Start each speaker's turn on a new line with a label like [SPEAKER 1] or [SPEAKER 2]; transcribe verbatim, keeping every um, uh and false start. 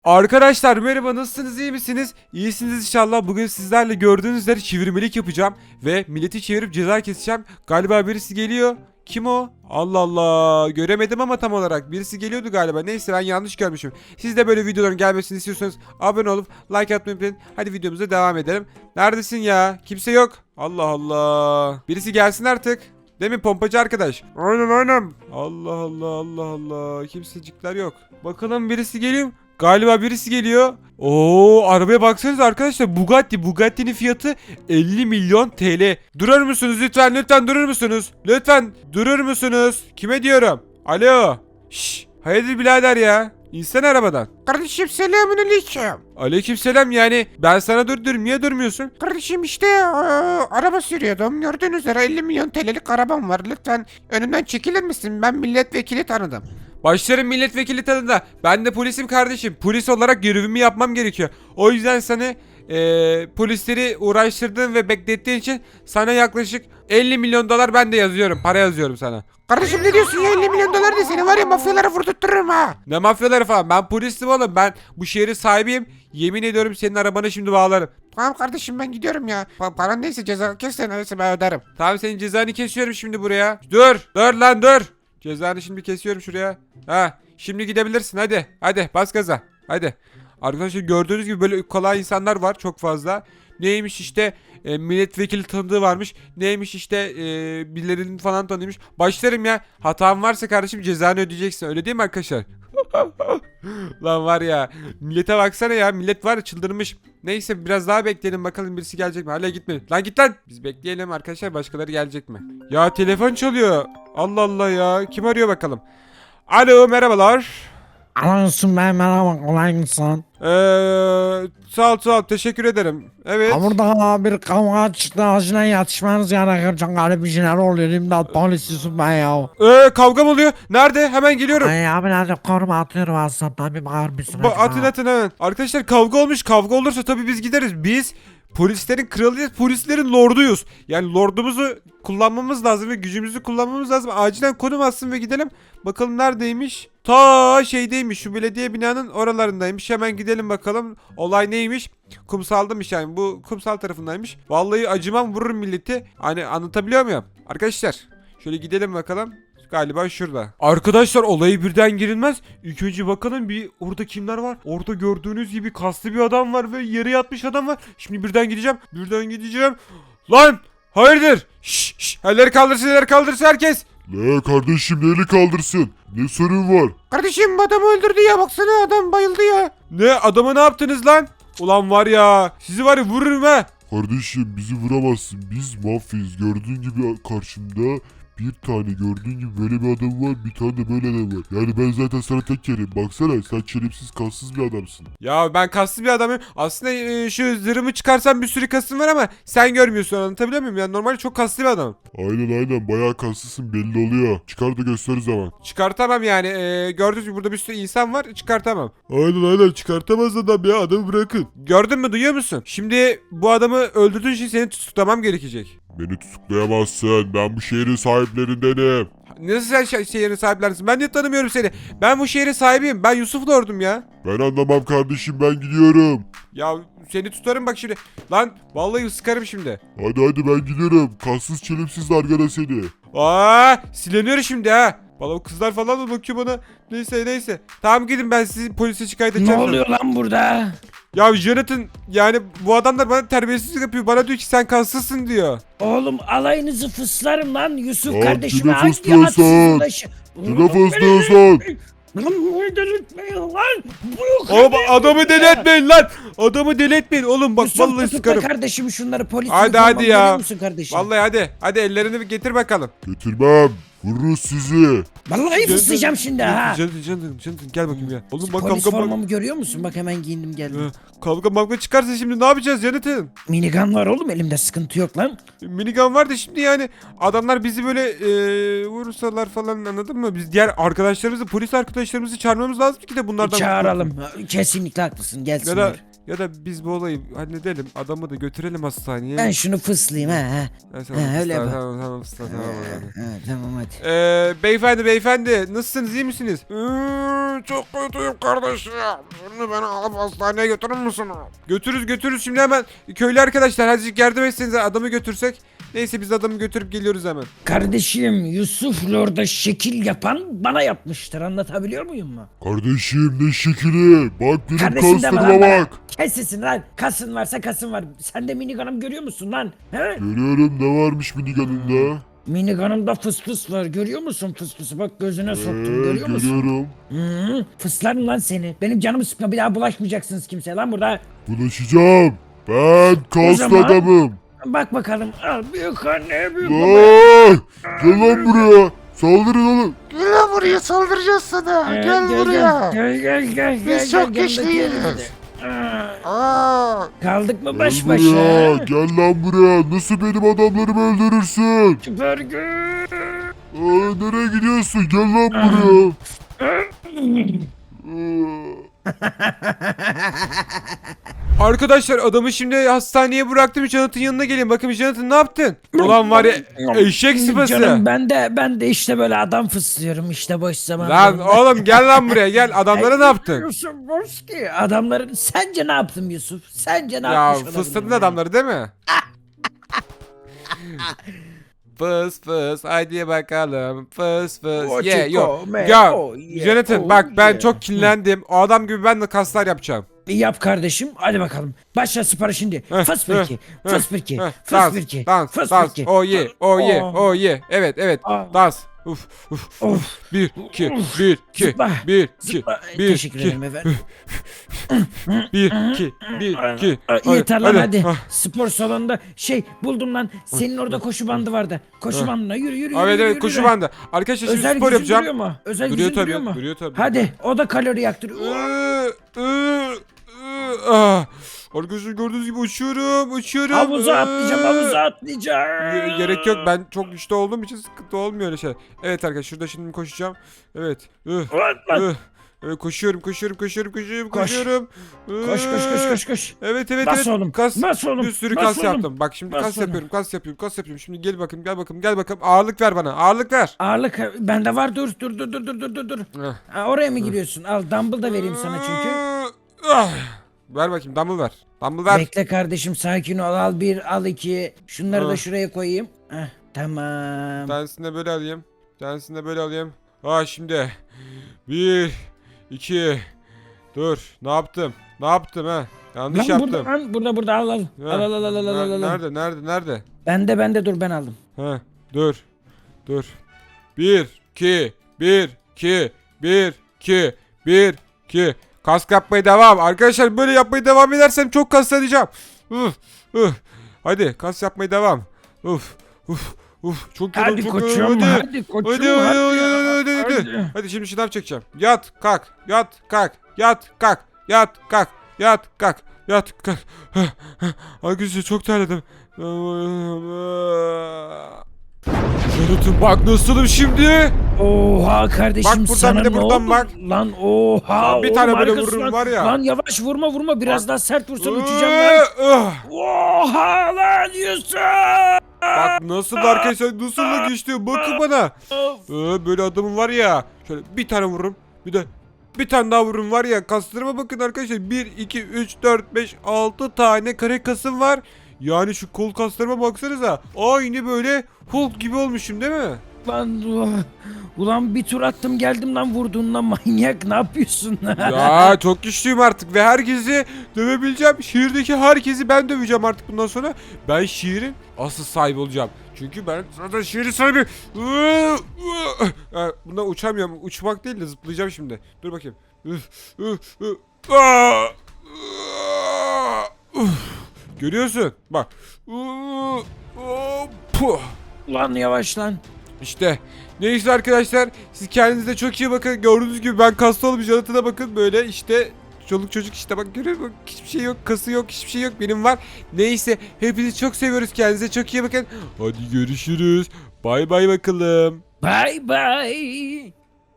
[SPEAKER 1] Arkadaşlar merhaba, nasılsınız, iyi misiniz? İyisiniz inşallah. Bugün sizlerle gördüğünüz üzere çevirmelik yapacağım ve milleti çevirip ceza keseceğim. Galiba birisi geliyor. Kim o? Allah Allah, göremedim ama tam olarak birisi geliyordu galiba. Neyse, ben yanlış görmüşüm. Siz de böyle videoların gelmesini istiyorsanız abone olup like atmayı unutmayın. Hadi videomuza devam edelim. Neredesin ya? Kimse yok. Allah Allah. Birisi gelsin artık. Değil mi pompacı arkadaş? Aynen aynen. Allah Allah Allah Allah. Kimsecikler yok. Bakalım birisi geliyor mu? Galiba birisi geliyor. Oo, arabaya baksanıza arkadaşlar. Bugatti. Bugatti'nin fiyatı elli milyon T L. Durur musunuz lütfen? Lütfen durur musunuz? Lütfen durur musunuz? Kime diyorum? Alo. Şşş. Hayırdır birader ya? İnsene arabadan.
[SPEAKER 2] Kardeşim selamünaleyküm.
[SPEAKER 1] Aleykümselam, yani ben sana dur dur niye durmuyorsun?
[SPEAKER 2] Kardeşim işte eee, araba sürüyordum. Gördüğünüz üzere elli milyon T L'lik arabam var. Lütfen önümden çekilir misin? Ben milletvekili tanıdım.
[SPEAKER 1] Başlarım milletvekili tadında. Ben de polisim kardeşim. Polis olarak görevimi yapmam gerekiyor. O yüzden sana eee, polisleri uğraştırdığın ve beklettiğin için sana yaklaşık elli milyon dolar ben de yazıyorum. Para yazıyorum sana.
[SPEAKER 2] Kardeşim ne diyorsun ya, elli milyon dolar ne, seni var ya mafyalara vurdurttururum ha.
[SPEAKER 1] Ne mafyaları falan. Ben polisim oğlum. Ben bu şehrin sahibiyim. Yemin ediyorum senin arabanı şimdi bağlarım.
[SPEAKER 2] Tamam kardeşim, ben gidiyorum ya. Pa paran neyse, ceza kes neyse, ben öderim.
[SPEAKER 1] Tamam, senin cezanı kesiyorum şimdi buraya. Dur. Dur lan dur. Cezanı şimdi kesiyorum şuraya. Ha, şimdi gidebilirsin, hadi. Hadi bas gaza. Hadi. Arkadaşlar gördüğünüz gibi böyle kolay insanlar var çok fazla. Neymiş işte e, milletvekili tanıdığı varmış. Neymiş işte e, birilerinin falan tanıyormuş. Başlarım ya. Hatam varsa kardeşim cezanı ödeyeceksin. Öyle değil mi arkadaşlar? Lan var ya. Millete baksana ya. Millet var ya, çıldırmış. Neyse biraz daha bekleyelim bakalım birisi gelecek mi? Hala gitmedi. Lan git lan. Biz bekleyelim arkadaşlar, başkaları gelecek mi? Ya telefon çalıyor. Allah Allah ya. Kim arıyor bakalım? Alo, merhabalar.
[SPEAKER 3] Anlıyorsun, ben merhaba, kolay gelsin.
[SPEAKER 1] Eee sağ ol sağ ol, teşekkür ederim. Evet.
[SPEAKER 3] Ha, burada bir kavga çıktı, acilen yetişmeniz gerekir. Çok garip bir şeyler oluyor. İmdat, polisisin ben ya.
[SPEAKER 1] Eee kavga mı oluyor? Nerede? Hemen geliyorum.
[SPEAKER 3] Ay abi, nerede koruma atıyorum aslında, bir bağır mısın
[SPEAKER 1] Ba-
[SPEAKER 3] acaba?
[SPEAKER 1] atın atın hemen. Arkadaşlar kavga olmuş. Kavga olursa tabii biz gideriz. Biz polislerin kralıyız. Polislerin lorduyuz. Yani lordumuzu kullanmamız lazım ve gücümüzü kullanmamız lazım. Acilen konum atsın ve gidelim. Bakalım neredeymiş? Ta şeydeymiş. Şu belediye binanın oralarındaymış. Hemen gidelim bakalım. Olay neymiş? Kumsaldamış yani. Bu kumsal tarafındaymış. Vallahi acımam, vururum milleti. Hani anlatabiliyor muyum? Arkadaşlar şöyle gidelim bakalım. Galiba şurada. Arkadaşlar olayı birden girilmez. İlk önce bakalım bir orada kimler var. Orada gördüğünüz gibi kaslı bir adam var ve yere yatmış adam var. Şimdi birden gideceğim. Birden gideceğim. Lan! Hayırdır? Şşş! Şş, elleri kaldırsın, elleri kaldırsın herkes.
[SPEAKER 4] Ne kardeşim, neli kaldırsın? Ne sorun var?
[SPEAKER 2] Kardeşim adamı öldürdü ya, baksana adam bayıldı ya.
[SPEAKER 1] Ne? Adama ne yaptınız lan? Ulan var ya. Sizi var ya vururum ha.
[SPEAKER 4] Kardeşim bizi vuramazsın. Biz mafyayız. Gördüğün gibi karşımda bir tane, gördüğün gibi böyle bir adam var. Bir tane de böyle adam var. Yani ben zaten sana tek yerim. Baksana, sen çelimsiz, kassız bir adamsın.
[SPEAKER 1] Ya ben kaslı bir adamım. Aslında e, şu zırhımı çıkarsam bir sürü kasım var ama sen görmüyorsun, anlatabiliyor muyum? Yani normalde çok kaslı bir adamım.
[SPEAKER 4] Aynen aynen, bayağı kaslısın, belli oluyor. Çıkar da göster o zaman.
[SPEAKER 1] Çıkartamam yani. E, gördüğünüz gibi burada bir sürü insan var. Çıkartamam.
[SPEAKER 4] Aynen aynen, çıkartamaz adam ya, adamı bırakın.
[SPEAKER 1] Gördün mü, duyuyor musun? Şimdi bu adamı öldürdüğün için seni tutuklamam gerekecek.
[SPEAKER 4] Beni tutuklayamazsın. Ben bu şehrin sahiplerindenim.
[SPEAKER 1] Nasıl sen şe- şehrin sahiplersin? Ben de tanımıyorum seni. Ben bu şehrin sahibiyim. Ben Yusuf Lord'um ya.
[SPEAKER 4] Ben anlamam kardeşim, ben gidiyorum.
[SPEAKER 1] Ya seni tutarım bak şimdi. Lan vallahi sıkarım şimdi.
[SPEAKER 4] Hadi hadi, ben gidiyorum. Kassız çelimsiz arkada seni.
[SPEAKER 1] Aa, sileniyor şimdi ha. Valla o kızlar falan da bakıyor bana. Neyse neyse. Tamam gidin, ben sizi polise şikayet
[SPEAKER 5] Ne
[SPEAKER 1] edeceğim.
[SPEAKER 5] oluyor lan burada?
[SPEAKER 1] Ya Jonathan, yani bu adamlar bana terbiyesizlik yapıyor. Bana diyor ki sen kassızsın diyor.
[SPEAKER 5] Oğlum alayınızı fıslarım lan Yusuf
[SPEAKER 4] Lan
[SPEAKER 5] kardeşime
[SPEAKER 4] kime
[SPEAKER 5] hangi
[SPEAKER 4] fıslıyorsun?
[SPEAKER 5] hadsizin başı?
[SPEAKER 4] Kime fıslıyorsun?
[SPEAKER 5] Lan bunu delirtmeyin lan. Bu
[SPEAKER 1] Oğlum adamı deli etmeyin lan. Adamı deli etmeyin oğlum, bak
[SPEAKER 5] Yusuf
[SPEAKER 1] vallahi
[SPEAKER 5] tutukla
[SPEAKER 1] sıkarım.
[SPEAKER 5] kardeşim şunları, polis
[SPEAKER 1] Hadi,
[SPEAKER 5] uniformamı
[SPEAKER 1] hadi ya.
[SPEAKER 5] görüyor musun kardeşim?
[SPEAKER 1] Vallahi hadi. Hadi ellerini bir getir bakalım.
[SPEAKER 4] Getirmem. Vururuz sizi.
[SPEAKER 5] Vallahi fıslayacağım şimdi ha.
[SPEAKER 1] Jonathan, Jonathan, Jonathan gel bakayım ya. Oğlum bak
[SPEAKER 5] Polis
[SPEAKER 1] kavga bak.
[SPEAKER 5] formamı görüyor musun? Bak hemen giyindim geldim.
[SPEAKER 1] Kavga mavga çıkarsa şimdi ne yapacağız Jonathan?
[SPEAKER 5] Minigun var oğlum elimde, sıkıntı yok lan.
[SPEAKER 1] Minigun var da şimdi yani adamlar bizi böyle eee vursalar falan, anladın mı? Biz diğer arkadaşlarımızı, polis arkadaşlarımızı çağırmamız lazım ki de bunlardan.
[SPEAKER 5] Çağıralım. Kesinlikle haklısın,
[SPEAKER 1] Ya
[SPEAKER 5] gelsinler.
[SPEAKER 1] da Ya da biz bu olayı halledelim. Adamı da götürelim hastaneye.
[SPEAKER 3] Ben şunu fıslayayım ha. ha.
[SPEAKER 1] Ha, tamam,
[SPEAKER 3] Ha, öyle
[SPEAKER 1] tamam,
[SPEAKER 3] yap.
[SPEAKER 1] tamam, tamam, tamam, tamam, hadi.
[SPEAKER 3] Ha, tamam hadi.
[SPEAKER 1] Ee, beyefendi beyefendi nasılsınız, iyi misiniz?
[SPEAKER 2] Hmm, çok kötüyüm kardeşim. Şimdi beni alıp hastaneye götürür müsün?
[SPEAKER 1] Götürürüz götürürüz şimdi hemen. Köylü arkadaşlar azıcık yardım etsenize, adamı götürsek. Neyse biz adamı götürüp geliyoruz hemen.
[SPEAKER 5] Kardeşim Yusuf Lord'a şekil yapan bana yapmıştır. Anlatabiliyor muyum mu?
[SPEAKER 4] Kardeşim ne şekili. Bak benim
[SPEAKER 5] Kardeşim deme
[SPEAKER 4] kaslarıma
[SPEAKER 5] lan bana.
[SPEAKER 4] bak.
[SPEAKER 5] Kes sesini lan. Kasın varsa kasın var. Sen de minigun'um görüyor musun lan? He?
[SPEAKER 4] Görüyorum ne varmış minigununda.
[SPEAKER 5] Minigun'umda fıs fıs var. Görüyor musun fıs fısı? Bak gözüne soktum.
[SPEAKER 4] Ee,
[SPEAKER 5] Görüyor musun?
[SPEAKER 4] görüyorum.
[SPEAKER 5] Hı, fıslarım lan seni. Benim canımı sıkma, bir daha bulaşmayacaksınız kimseye lan burada.
[SPEAKER 4] Bulaşacağım. Ben kaslı
[SPEAKER 5] zaman-
[SPEAKER 4] adamım.
[SPEAKER 5] Bak bakalım. Al büyük anne büyük baba.
[SPEAKER 4] Vay! Gel lan buraya. Saldırın oğlum.
[SPEAKER 2] Gel lan buraya, saldıracağız sana.
[SPEAKER 5] Ee,
[SPEAKER 2] Gel buraya.
[SPEAKER 5] Gel gel gel.
[SPEAKER 2] Biz
[SPEAKER 5] gel,
[SPEAKER 2] çok
[SPEAKER 5] gel,
[SPEAKER 2] güçlüyüz.
[SPEAKER 5] yanındaki yere. Aa,
[SPEAKER 2] Aa,
[SPEAKER 5] kaldık mı
[SPEAKER 4] Gel
[SPEAKER 5] baş
[SPEAKER 4] buraya.
[SPEAKER 5] başa?
[SPEAKER 4] Gel lan buraya. Nasıl benim adamlarımı öldürürsün?
[SPEAKER 5] Süper gün.
[SPEAKER 4] Aa, nereye gidiyorsun? Gel lan buraya. Aa.
[SPEAKER 1] Arkadaşlar adamı şimdi hastaneye bıraktım. Jonathan yanına gelin. Bakın Jonathan ne yaptın? Ulan var ya eşek sıpası.
[SPEAKER 5] Canım ben de ben de işte böyle adam fıslıyorum işte boş
[SPEAKER 1] Lan
[SPEAKER 5] zamanlarımda.
[SPEAKER 1] oğlum gel lan buraya gel. Adamlara ne yaptın?
[SPEAKER 5] Yusuf Boski. Adamların sence ne yaptım Yusuf? Sence ne
[SPEAKER 1] Ya
[SPEAKER 5] yapmış olabilirim
[SPEAKER 1] fıstıklı
[SPEAKER 5] yani?
[SPEAKER 1] adamları değil mi? Fıs fıs haydi bakalım fıs fıs
[SPEAKER 5] O
[SPEAKER 1] ye
[SPEAKER 5] chico,
[SPEAKER 1] yo
[SPEAKER 5] me,
[SPEAKER 1] ya
[SPEAKER 5] oh, yeah,
[SPEAKER 1] Jonathan
[SPEAKER 5] oh,
[SPEAKER 1] bak ben
[SPEAKER 5] yeah.
[SPEAKER 1] çok kinlendim, o adam gibi ben de kaslar yapacağım.
[SPEAKER 5] Yap kardeşim hadi bakalım. Başla spora şimdi.
[SPEAKER 1] Heh,
[SPEAKER 5] Fıs
[SPEAKER 1] heh,
[SPEAKER 5] pirki. Fıs pirki.
[SPEAKER 1] Heh,
[SPEAKER 5] Fıs
[SPEAKER 1] dans
[SPEAKER 5] pirki.
[SPEAKER 1] dans
[SPEAKER 5] Fıs
[SPEAKER 1] dans
[SPEAKER 5] pirki.
[SPEAKER 1] o ye o ye
[SPEAKER 5] Oh.
[SPEAKER 1] o ye evet evet
[SPEAKER 5] Ah.
[SPEAKER 1] dans uf uf
[SPEAKER 5] Of.
[SPEAKER 1] uf bir iki
[SPEAKER 5] Uf.
[SPEAKER 1] bir iki
[SPEAKER 5] Zıpla.
[SPEAKER 1] bir iki
[SPEAKER 5] Zıpla.
[SPEAKER 1] bir
[SPEAKER 5] Teşekkür
[SPEAKER 1] iki
[SPEAKER 5] ederim efendim.
[SPEAKER 1] bir iki bir iki
[SPEAKER 5] Aa, Yeter lan hadi.
[SPEAKER 1] Ah.
[SPEAKER 5] Spor salonunda şey buldum lan. Senin orada koşu bandı vardı. Koşu bandına yürü yürü
[SPEAKER 1] Evet
[SPEAKER 5] yürü.
[SPEAKER 1] evet
[SPEAKER 5] yürü,
[SPEAKER 1] koşu
[SPEAKER 5] yürü.
[SPEAKER 1] bandı. Arkadaşlar şimdi
[SPEAKER 5] Özel
[SPEAKER 1] spor
[SPEAKER 5] gücün
[SPEAKER 1] yapacağım.
[SPEAKER 5] duruyor mu? Özel
[SPEAKER 1] Duruyor
[SPEAKER 5] gücün duruyor
[SPEAKER 1] tabii
[SPEAKER 5] mu?
[SPEAKER 1] duruyor tabii.
[SPEAKER 5] Hadi o da kalori yaktırıyor.
[SPEAKER 1] Iı, ıı, ıı, ah. Arkadaşlar gördüğünüz gibi uçuyorum uçuyorum.
[SPEAKER 5] Havuza
[SPEAKER 1] Iı.
[SPEAKER 5] atlayacağım havuza atlayacağım.
[SPEAKER 1] Ge- Gerek yok, ben çok güçlü olduğum için sıkıntı olmuyor öyle şey. Evet arkadaşlar şurada şimdi koşacağım. Evet. Ih,
[SPEAKER 5] Ulan, lan.
[SPEAKER 1] ih. Evet, koşuyorum koşuyorum koşuyorum koşuyorum
[SPEAKER 5] Koş.
[SPEAKER 1] koşuyorum.
[SPEAKER 5] Koş koş koş koş koş.
[SPEAKER 1] Evet evet
[SPEAKER 5] Bas
[SPEAKER 1] evet.
[SPEAKER 5] oğlum.
[SPEAKER 1] Kas.
[SPEAKER 5] Bas oğlum.
[SPEAKER 1] Bir sürü
[SPEAKER 5] bas
[SPEAKER 1] kas
[SPEAKER 5] oğlum.
[SPEAKER 1] yaptım. Bak şimdi
[SPEAKER 5] Bas
[SPEAKER 1] kas
[SPEAKER 5] oğlum.
[SPEAKER 1] yapıyorum kas yapıyorum kas yapıyorum. Şimdi gel bakayım gel bakayım gel bakayım. Ağırlık ver bana, ağırlık ver.
[SPEAKER 5] Ağırlık bende var dur dur dur dur dur dur dur dur.
[SPEAKER 1] Heh.
[SPEAKER 5] Ha, oraya mı giriyorsun? Al dumbbell da vereyim sana çünkü.
[SPEAKER 1] Ah. Ver bakayım, dumbbell ver. Dumbbell ver.
[SPEAKER 5] Bekle kardeşim sakin ol. Al bir al iki. Şunları da
[SPEAKER 1] Ah.
[SPEAKER 5] şuraya koyayım. Heh, tamam.
[SPEAKER 1] Bir tanesini de böyle alayım. Bir tanesini de böyle alayım. Ha şimdi. Bir. iki. Dur. Ne yaptım? Ne yaptım ha? Yanlış
[SPEAKER 5] Lan
[SPEAKER 1] yaptım.
[SPEAKER 5] burada lan burada burada al al.
[SPEAKER 1] Ha,
[SPEAKER 5] Al al al al al al.
[SPEAKER 1] ner-
[SPEAKER 5] al.
[SPEAKER 1] Nerede nerede nerede?
[SPEAKER 5] Bende bende dur ben aldım.
[SPEAKER 1] Ha, dur. Dur. Bir, iki, bir, iki, bir, iki, bir, iki. Kas yapmaya devam. Arkadaşlar böyle yapmaya devam edersem çok kaslanacağım. Uf, uf. Hadi kas yapmaya devam. Uf, uf, uf. Çok yoruldum,
[SPEAKER 5] Hadi
[SPEAKER 1] çok
[SPEAKER 5] koçum
[SPEAKER 1] yoruldum.
[SPEAKER 5] hadi koçum
[SPEAKER 1] Hadi hadi hadi
[SPEAKER 5] ya,
[SPEAKER 1] hadi hadi.
[SPEAKER 5] hadi.
[SPEAKER 1] Hadi şimdi şınav çekeceğim. Yat kalk. Yat kalk. Yat kalk. Yat kalk. Yat kalk. Yat kalk. Arkadaşlar çok terledim. Jonathan bak nasılım şimdi?
[SPEAKER 5] Oha kardeşim
[SPEAKER 1] Bak buradan
[SPEAKER 5] sana
[SPEAKER 1] bir de
[SPEAKER 5] ne
[SPEAKER 1] buradan
[SPEAKER 5] oldu?
[SPEAKER 1] bak.
[SPEAKER 5] Lan oha.
[SPEAKER 1] Lan bir
[SPEAKER 5] oğlum
[SPEAKER 1] tane böyle
[SPEAKER 5] harikasın
[SPEAKER 1] vururum
[SPEAKER 5] lan.
[SPEAKER 1] var ya.
[SPEAKER 5] Lan yavaş vurma vurma biraz daha sert vursan uçacağım lan.
[SPEAKER 1] Ah!
[SPEAKER 5] Oha lan Yusuf.
[SPEAKER 1] Bak nasıl arkadaşlar, nasıl da geçti, bakın bana. Ee, böyle adamım var ya, şöyle bir tane vururum, bir de bir tane daha vururum var ya, kaslarıma bakın arkadaşlar. Bir, iki, üç, dört, beş, altı tane kare kasım var. Yani şu kol kaslarıma baksanıza, aynı böyle Hulk gibi olmuşum değil mi?
[SPEAKER 5] Lan ulan, ulan bir tur attım geldim lan vurduğundan manyak ne yapıyorsun?
[SPEAKER 1] Ya çok güçlüyüm artık ve herkesi dövebileceğim. Şehirdeki herkesi ben döveceğim artık bundan sonra. Ben şehrin asıl sahibi olacağım. Çünkü ben zaten şehrin sahibi. Bundan uçamıyorum. Uçmak değil de zıplayacağım şimdi. Dur bakayım. Görüyorsun? Bak.
[SPEAKER 5] Lan yavaş lan.
[SPEAKER 1] İşte neyse arkadaşlar, siz kendinize çok iyi bakın. Gördüğünüz gibi ben kaslı olmuş, Jonathan'a bakın böyle işte, çoluk çocuk işte, bak görüyor musun? Hiçbir şey yok, kası yok, hiçbir şey yok, benim var. Neyse hepinizi çok seviyoruz, kendinize çok iyi bakın. Hadi görüşürüz, bay bay bakalım.
[SPEAKER 5] Bye bye.